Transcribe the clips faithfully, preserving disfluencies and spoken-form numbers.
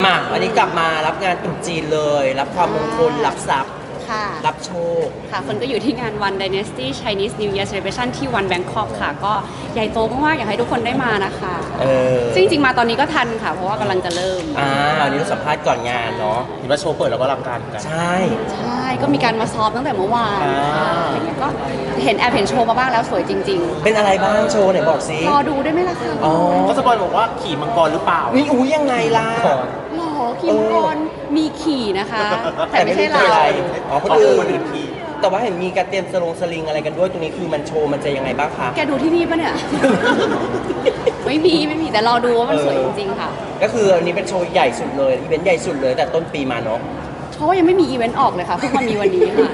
มาวันนี้กลับมารับงานตรุษจีนเลย รับความมงคลรับทรัพย์รับโชคค่ะคนก็อยู่ที่งาน One Dynasty Chinese New Year Celebration ที่ One Bangkok ค่ะก็ใหญ่โตมากๆอยากให้ทุกคนได้มานะคะเออซึ่งจริงๆมาตอนนี้ก็ทันค่ะเพราะว่ากำลังจะเริ่มอ่าวันนี้เราสัมภาษณ์ก่อนงานเนาะเห็นว่าโชว์เปิดแล้วก็รับการกันใช่ใช่ก็มีการมาซ้อมตั้งแต่เมื่อวานอะไรเงี้ยก็เห็นแอบเห็นโชว์มาบ้างแล้วสวยจริงๆเป็นอะไรบ้างโชว์ไหนบอกสิรอดูได้ไหมล่ะคะอ๋อก็สปอยบอกว่าขี่มังกรหรือเปล่านี่อุ้ยยังไงล่ะหรอขี่มังกรมีขี่นะคะแต่ไม่ใช่เราอ๋อคนอื่นขี่แต่ว่าเห็นมีการเตรียมสลงสลิงอะไรกันด้วยตรงนี้คือมันโชว์มันจะยังไงบ้างคะแกดูที่นี่ปะเนี่ยไม่มีไม่มีแต่รอดูว่ามันสวยจริงๆค่ะก็คืออันนี้เป็นโชว์ใหญ่สุดเลยอีเวนต์ใหญ่สุดเลยแต่ต้นปีมาเนาะเพราะว่ายังไม่มีอีเวนต์ออกเลยค่ะเพิ่งมามีวันนี้ค่ะ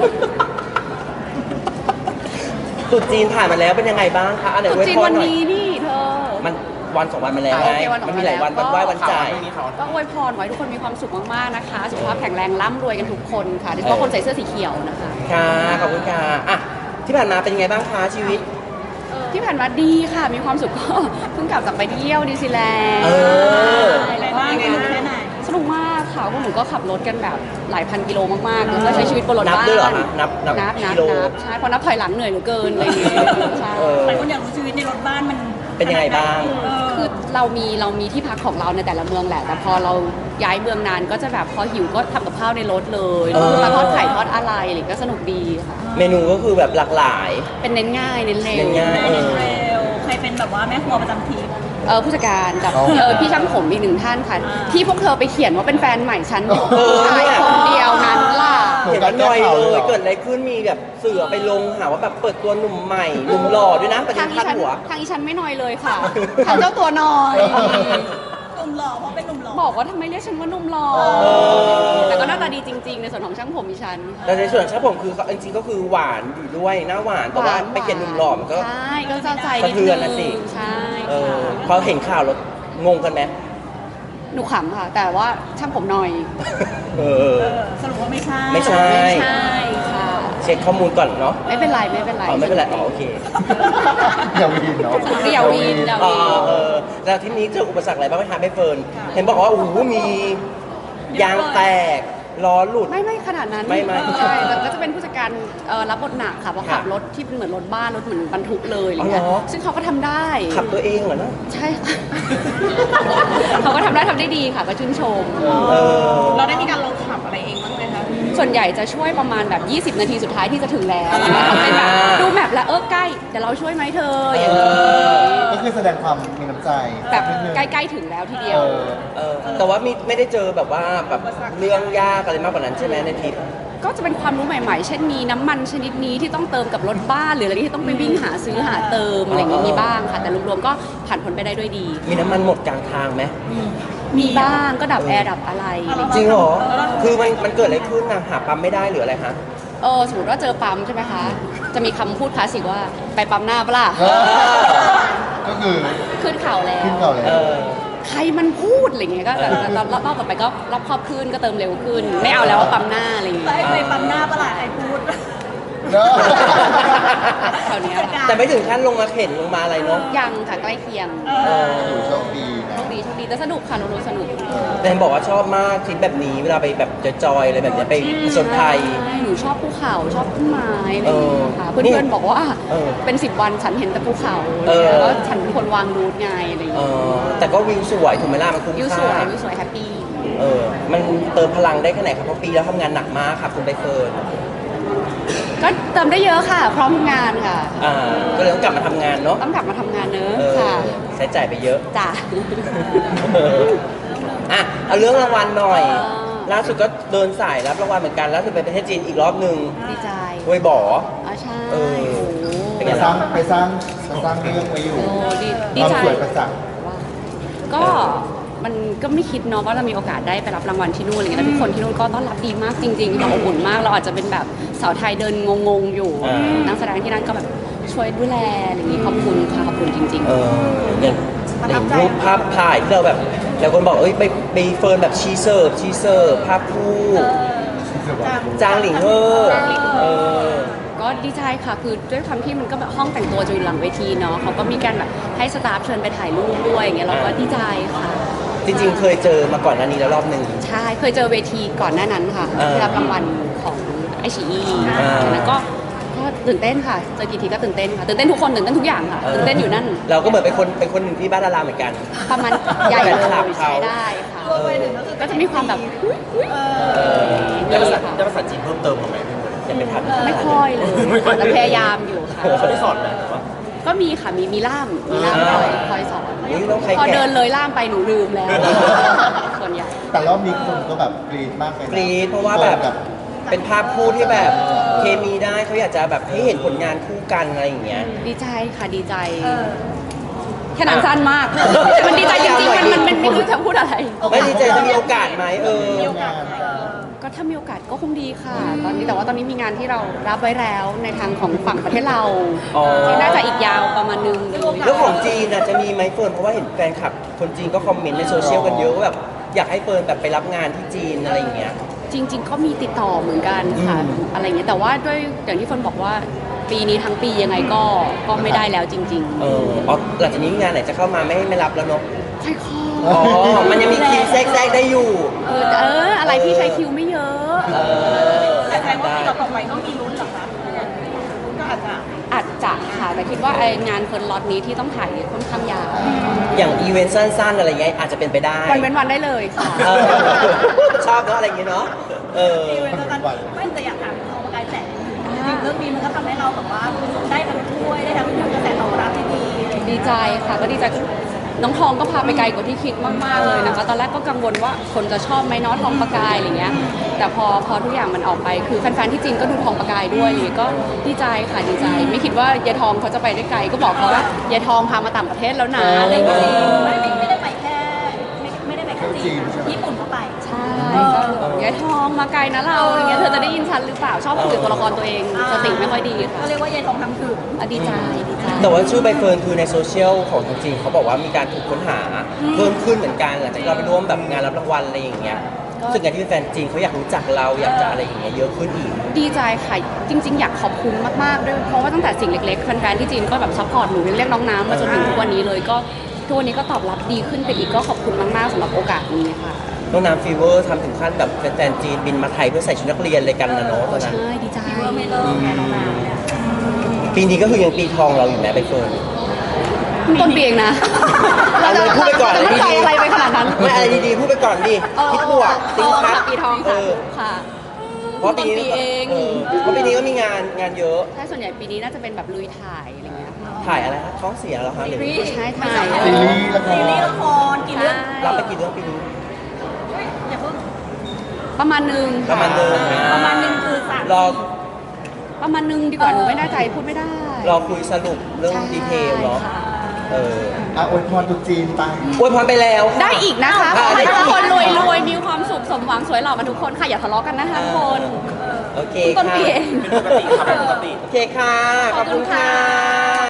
ตุ๊จีนผ่านมาแล้วเป็นยังไงบ้างคะอันไหนตุ๊จีนวันนี้นี่เธอมันวันสองวันมาแล้วไงมันมีหลายวันวันไหว้วันจ่ายก็อวยพรไว้ทุกคนมีความสุขมากๆนะคะสุขภาพแข็งแรงร่ำรวยกันทุกคนค่ะโดยเฉพาะคนใส่เสื้อสีเขียวนะคะค่ะขอบคุณค่ะอ่ะที่ผ่านมาเป็นยังไงบ้างคะชีวิตที่ผ่านมาดีค่ะมีความสุขก็เพิ่งกลับจากไปเที่ยวนิวซีแลนด์เออแล้วก็ยังไงแค่ไหนสนุกมากค่ะพวกหนูก็ขับรถกันแบบหลายพันกิโลมากๆแล้วก็ใช้ชีวิตบนรถบ้านนับด้วยเหรอคะนับนับนับกิโลใช่เพราะนับถอยหลังเหนื่อยเหลือเกินอะไรอย่างเงี้ยใช่หลายคนอยากรู้ชีวิตในรถบ้านมันเป็นยังไงบ้างคือเรามีเรามีที่พักของเราในแต่ละเมืองแหละแต่พอเราย้ายเมืองนานก็จะแบบพอหิวก็ทำกับข้าวในรถเลยคือมาทอดไข่ทอดอะไรอะไรก็สนุกดีค่ะเมนูก็คือแบบหลากหลายเป็นเน้นง่ายเน้นเร็วเน้นง่ายเน้นเร็วใครเป็นแบบว่าแม่ครัวประจำทีมเออผู้จัดการกับเออพี่ช่างผมอีกหนึ่งท่านค่ะที่พวกเธอไปเขียนว่าเป็นแฟนใหม่ฉันชายคนเดียวนั้นล่ะเห็นว่าหน่อยเลยเกิดอะไรขึ้นมีแบบเสือไปลงหาว่าแบบเปิดตัวหนุ่มใหม่หนุ่มหล่อด้วยนะประเด็นขั้นหัวทางอีฉันไม่น้อยเลยค่ะทางเจ้าตัวน้อยหนุ่มหล่อเพราะเป็นหนุ่มหล่อบอกว่าทำไมเรียกฉันว่าหนุ่มหล่อแต่ก็หน้าตาดีจริงๆในส่วนของช่างผมอีฉันแต่ในส่วนของช่างผมคือจริงๆก็คือหวานอยู่ด้วยหน้าหวานแต่ว่าไปเขียนหนุ่มหล่อมันก็ใช่ก็จะใจสะเทือนนะสิใช่พอเห็นข่าวแล้วงงกันไหมหนูขำค่ะแต่ว่าช่างผมหน่อยสรุปว่าไม่ใช่ไม่ใช่ไม่ใช่ค่ะเช็คข้อมูลก่อนเนาะไม่เป็นไรไม่เป็นไรอ๋อไม่เป็นไรอ๋อโอเคอย่าวีนเนาะอย่าวีนอย่าวีนเออแล้วที่นี้เจออุปสรรคอะไรบ้างไหมคะไม่เฟิร์นเห็นบอกว่าโอ้โหมียางแตกล้อหลุดไม่ไม่ขนาดนั้นไม่ไม่ใช่แต่ก็จะเป็นผู้จัดการรับบทหนักค่ะเพราะขับรถที่เป็นเหมือนรถบ้านรถเหมือนบรรทุกเลยอะไรเงี้ยซึ่งเขาก็ทำได้ขับตัวเองเหรอเนาะใช่ค่ะเขาก็ทำได้ทำได้ดีค่ะก็ชื่นชมเราได้มีการลองขับอะไรเองบ้างไหมคะส่วนใหญ่จะช่วยประมาณแบบยี่สิบนาทีสุดท้ายที่จะถึงแล้วทำเป็นแบบดูแมพแล้วเออใกล้แต่เราช่วยไหมเธออย่างนี้ก็คือแสดงความมีน้ำใจแบบใกล้ๆถึงแล้วทีเดียวแต่ว่ามีไม่ได้เจอแบบว่าแบบเรื่องยากอะไรมากกว่านั้นใช่ไหมในทริปก็จะเป็นความรู้ใหม่ๆเช่นมีน้ำมันชนิดนี้ที่ต้องเติมกับรถบ้านหรืออะไรที่ต้องไปวิ่งหาซื้อหาเติมอะไรอย่างนี้มีบ้างค่ะแต่รวมๆก็ผ่านพ้นไปได้ด้วยดีมีน้ำมันหมดกลางทางไหมมีบ้างก็ดับแอร์ดับอะไรจริงเหรอคือมันมันเกิดอะไรขึ้นนะหาปั๊มไม่ได้หรืออะไรคะเออสมมติว่าเจอปั๊มใช่ไหมคะจะมีคำพูดคลาสสิกว่าไปปั๊มหน้าปะล่ะก็คือขึ้นเข่าแล้วขึ้นเข่าแล้วใครมันพูดอะไรเงี้ยก็แต่รอบรอบต่อไปก็รอบครอบขึ้นก็เติมเร็วขึ้นไม่เอาแล้วว่าปั๊มหน้าอะไรอย่างเงี้ยไปปั๊มหน้าปะล่ะไอ้พูดแถวนี้แต่ไม่ถึงขั้นลงมาเข็นลงมาอะไรเนาะยังค่ะใกล้เคียงโชคดีโชคดีโชคดีแต่สนุกค่ะนุ๊กสนุกแต่เห็นบอกว่าชอบมากทริปแบบนี้เวลาไปแบบจอยๆอะไรแบบนี้ไปผจญภัยหนูชอบภูเขาชอบต้นไม้อะไรอย่างเงี้ยค่ะเพื่อนๆบอกว่าเป็นสิบวันฉันเห็นแต่ภูเขาแล้วฉันเป็นคนวางรูทไงอะไรอย่างเงี้ยแต่ก็วิวสวยถูกไหมล่ะมันคุ้มค่าวิวสวยวิวสวยแฮปปี้เออมันเติมพลังได้แค่ไหนครับเพราะปีแล้วทำงานหนักมากค่ะคุณใบเฟิร์นก็เติมได้เยอะค่ะพร้อมทำงานค่ะอ่าก็เลยต้องกลับมาทำงานเนาะต้องกลับมาทำงานเนอะค่ะใช้จ่ายไปเยอะจ้ะอ่ะเอาเรื่องรางวัลหน่อยล่าสุดก็เดินสายรับรางวัลเหมือนกันล่าสุดไปประเทศจีนอีกรอบหนึ่งดีใจห้วยบ่ออ๋อใช่ไปสร้างไปสร้างไปสร้างเรื่องไว้อยู่ดีใจสวยประจักษ์ก็มันก็ไม่คิดเนาะว่าเรามีโอกาสได้ไปรับรางวัลที่นู่นอะไรเงี้ยแล้วทุกคนที่นู่นก็ต้อนรับดีมากจริงๆแบบอบอุ่นมากเราอาจจะเป็นแบบสาวไทยเดินงงๆอยู่นักแสดงที่นั่นก็แบบช่วยดูแลอะไรอย่างนี้ขอบคุณค่ะขอบคุณจริงๆเอออย่างอย่างรูปภาพถ่ายที่เราแบบหลายคนบอกเอ้ยไปไปเฟิร์นแบบชีเซอร์ชีเซอร์ภาพคู่จางหลิงเฮอก็ดีใจค่ะคือด้วยความที่มันก็แบบห้องแต่งตัวจะอยู่หลังเวทีเนาะเขาก็มีการแบบให้สตาฟเชิญไปถ่ายรูปด้วยอย่างเงี้ยเราก็ดีใจค่ะจริงๆ เคยเจอมาก่อนหน้านี้แล้วรอบหนึ่งใช่เคยเจอเวทีก่อนหน้านั้นค่ะเออที่รับรางวัลของไอชีอีอ่าแล้วก็ก็ตื่นเต้นค่ะเจอกี่ทีก็ตื่นเต้นค่ะตื่นเต้นทุกคนตื่นเต้นทุกอย่างค่ะตื่นเต้นอยู่นั่นเราก็เหมือนเป็นคนเป็นคนหนึ่งที่บ้านดาราเหมือนกันประมาณใหญ่เลยแฟนคลับเขาใช้ได้ค่ะรวมไปถึงก็คือก็จะมีความแบบเอเอออได้ภาษาค่ะได้ภาษาจีนเพิ่มเติมมาไหมพี่มดจะไปทำไม่ค่อยเลยค่ะแต่พยายามอยู่ค่ะเขาได้สอนไหมหรือว่าก็มีค่ะมีมีล่ามมีล่ามคอยคอยสอนอุ๊ยต้องใครพอแกะเดินเลยล่ามไปหนูลืมแล้ว ส่วนใหญ่แต่รอบนี้คนก็แบบกรี๊ดมากเลยนะกรี๊ดเพราะว่าแบบเป็นภาพคู่ที่แบบเคมีได้เขาอยากจะแบบให้เห็นผลงานคู่กันอะไรอย่างเงี้ยดีใจค่ะดีใจเออแค่นั้นสั้นมาก มันดีใจจริงๆ มันมันมันไม่รู้จะพูดอะไรไม่ดีใจจะมีโอกาสไหมเออมีโอกาสไหมก็ถ้ามีโอกาสก็คงดีค่ะ ตอนนี้แต่ว่าตอนนี้มีงานที่เรารับไว้แล้วในทางของฝั่งประเทศเราอ๋อที่น่าจะอีกยาวประมาณนึงเลยเรื่องของจีนน่ะจะมีไหมเฟิร์นเพราะว่าเห็นแฟนคลับคนจีนก็คอมเมนต์ในโซเชียลกันเยอะว่าแบบอยากให้เฟิร์นแบบไปรับงานที่จีนอะไรอย่างเงี้ยจริง ๆ ก็มีติดต่อเหมือนกันค่ะอืมอะไรอย่างเงี้ยแต่ว่าด้วยอย่างที่เฟิร์นบอกว่าปีนี้ทั้งปียังไงก็ก็ไม่ได้แล้วจริงเอออ๋อหลังจากนี้งานไหนจะเข้ามาไม่ไม่รับแล้วเนาะๆ ใช่ค่ะอ๋อ มันยังมีคิวแทรกแทรกได้อยู่เออแต่เอออะไรที่ใช้คิวไม่เยอะเออแต่แสดงว่าปีต่อๆไปก็มีลุ้นเหรอคะก็อาจจะอาจจะค่ะแต่คิดว่าไองานเฟิร์นล็อตนี้ที่ต้องถ่ายค่อนข้างยาวอย่างอีเวนต์สั้นๆอะไรเงี้ยอาจจะเป็นไปได้วันเว้นวันได้เลยค่ะเออชอบเนาะอะไรอย่างเงี้ยเนาะ เอออีเวนต์แล้วกันไม่แต่อยากถามเขาประกายแสงจริงๆเรื่องนี้มันก็ทำให้เราแบบว่าได้ทั้งถ้วยได้ทั้งกระแสตอบรับที่ดีอะไรอย่างเงี้ยดีใจค่ะก็ดีใจน้องทองก็พาไปไกลกว่าที่คิดมากๆเลยนะคะ ตอนแรกก็กังวลว่าคนจะชอบไหมเน้อทองประกายอะไรเงี้ยแต่พอพอทุกอย่างมันออกไปคือแฟนๆที่จีนก็ดูทองประกายด้วยอะไรเลยก็ดีใจค่ะดีใจ ไม่คิดว่ายายทองเขาจะไปได้ไกลก็บอกเขาว่ายายทองพามาต่างประเทศแล้วนะอะไรอย่างเงี้ยไม่ได้ไม่ได้ไปแค่ไม่ไม่ได้ไปแค่จีนนะญี่ปุ่นก็ไปใช่ก็ยายทองมาไกลนะเราอะไรเงี้ยเธอจะได้ยินฉันหรือเปล่าชอบคุยกับตัวละครตัวเองสติไม่ค่อยดีค่ะก็เรียกว่ายายทองทำถึงอ่ะดีใจดีใจแต่ว่าชื่อใบเฟิร์นคือในโซเชียลของทางจีนเขาบอกว่ามีการถูกค้นหาเพิ่มขึ้นเหมือนกันหลังจากที่เราไปร่วมแบบงานรับรางวัลอะไรอย่างเงี้ยรู้สึกไงที่แฟนจีนเขาอยากรู้จักเราอยากจะอะไรอย่างเงี้ยเยอะขึ้นอีกดีใจค่ะจริง ๆ อยากขอบคุณมากๆด้วยเพราะว่าตั้งแต่สิ่งเล็กๆแฟนๆที่จีนก็แบบซัพพอร์ตหนูเรียกน้องน้ำมาจนถึงทุกวันนี้เลยก็ทุกวันนี้ก็ตอบรับดีขึ้นไปอีกก็ขอบคุณมากๆสำหรับโอกาสนี้ค่ะน้องน้ำฟีเวอร์ทำถึงขั้นแบบแฟนๆจีนบินมาไทยเพื่อใส่ชุดนักเรียนเลยกันนะเนาะตอนนั้นใช่ดีใจเมื่อไม่เลิกไงน้องนาวเนี่ยปีนี้ก็คือยังปีทองเราอยู่นะใบเฟิร์นเพิ่งต้นปีเองนะเอาเลยพูดไปก่อนจะอะไรมั่นใจดีอะไรไปขนาดนั้นๆไม่อะไรดีๆพูดไปก่อนดิคิดบวกทติ้งองพัค่ะดปีทองเอค่ะอค่ะเพราะปีนี้ต้นปีเองเออเพราะปีนี้ก็มีงานงานเยอะใช่ส่วนใหญ่ปีนี้น่าจะเป็นแบบลุยถ่ายอะไรเงี้ยค่ะถ่ายอะไรคะท้องเสียเหรอคะหรือใช่ถ่ายซีรีส์ละคซีรีส์รละครกี่เรื่องรับไปกี่เรื่องปีนี้อย่าเพิ่งประมาณนึงประมาณนึงประมาณหนึ่งคือสามรอประมาณนึงดีกว่าหนูไม่แน่ใจพูดไม่ได้รอคุยสรุปเรื่องดีเทลเนาะใช่ค่ะเอออ่ะอวยพรตรุ๊จีนไปอวยพรไปแล้วค่ะได้อีกนะคะขอ่าอให้ได้ทุกอีกคนรวยรวยๆมีความสุขสมหวังสวยหล่อมาทุกคนค่ะอย่าทะเลาะกันนะคะทุกคนโอเคต้นค่ะปีเองเป็นปกติครับเป็นปกติโอเคค่ะ ขอบคุณค่ะ